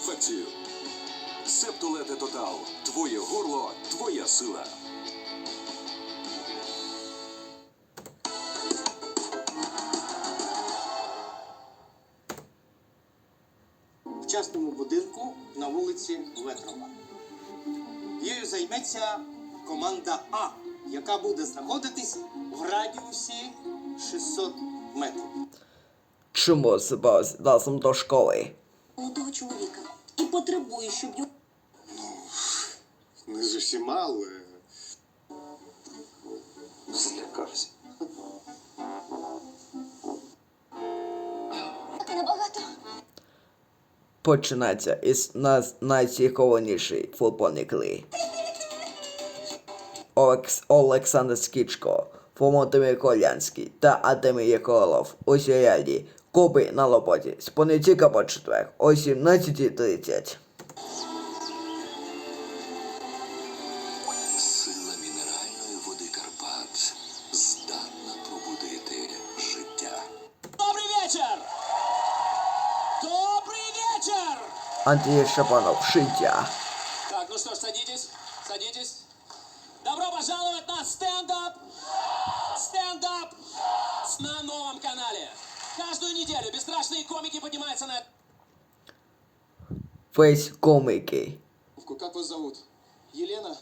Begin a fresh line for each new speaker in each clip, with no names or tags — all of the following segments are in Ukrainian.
інфекцію. Септолете Тотал. Твоє горло, твоя сила.
В частному будинку на вулиці Ветрова. Її займеться команда А, яка буде знаходитись в радіусі 600 метрів.
Чому себе разом до школи?
Молодого чоловіка. І потребує, щоб його...
Не з усіма, але злякався.
Ти набагато.
Починається із найцікавішої футбольної гри. Олександр Скічко, Володимир Колянський та Артемій Єколов у серіалі «Копи на роботі» з понеділка по четвер о 17:30.
Сила мінеральної води Карпат здатна пробудити життя.
Добрый вечер! Добрый вечер!
Андрій Шапанов, «Життя».
Так, ну что ж, садитесь, садитесь. Добро пожаловать на стендап! Стендап! На новом канале. Каждую неделю бесстрашные комики поднимаются на...
Весь коміки.
Как вас зовут? Елена?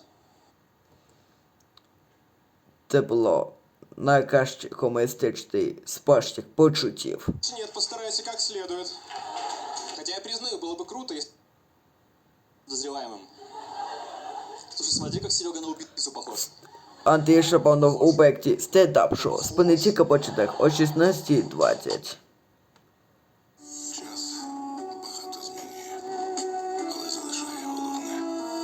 Це було найкраще комуністичний спашчих почуттів.
Нет, постарайся как следует. Хотя я признаю, было бы круто, если... Подозреваемым. Слушай, смотри, как Серега на убийцу похож.
Андрій Шапанов у проєкті стендап-шоу з понеділка по четвер о 16:20.
Час багато змінює, але залишає головне.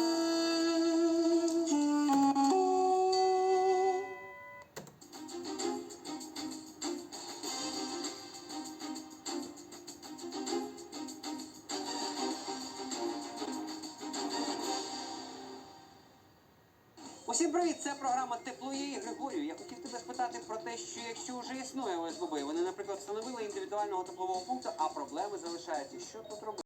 Усім привіт, це програма «Тепло є» і Григорію. Я хотів тебе спитати про те, що якщо вже існує ОСББ, вони, наприклад, встановили індивідуального теплового пункту, а проблеми залишаються. Що тут робити?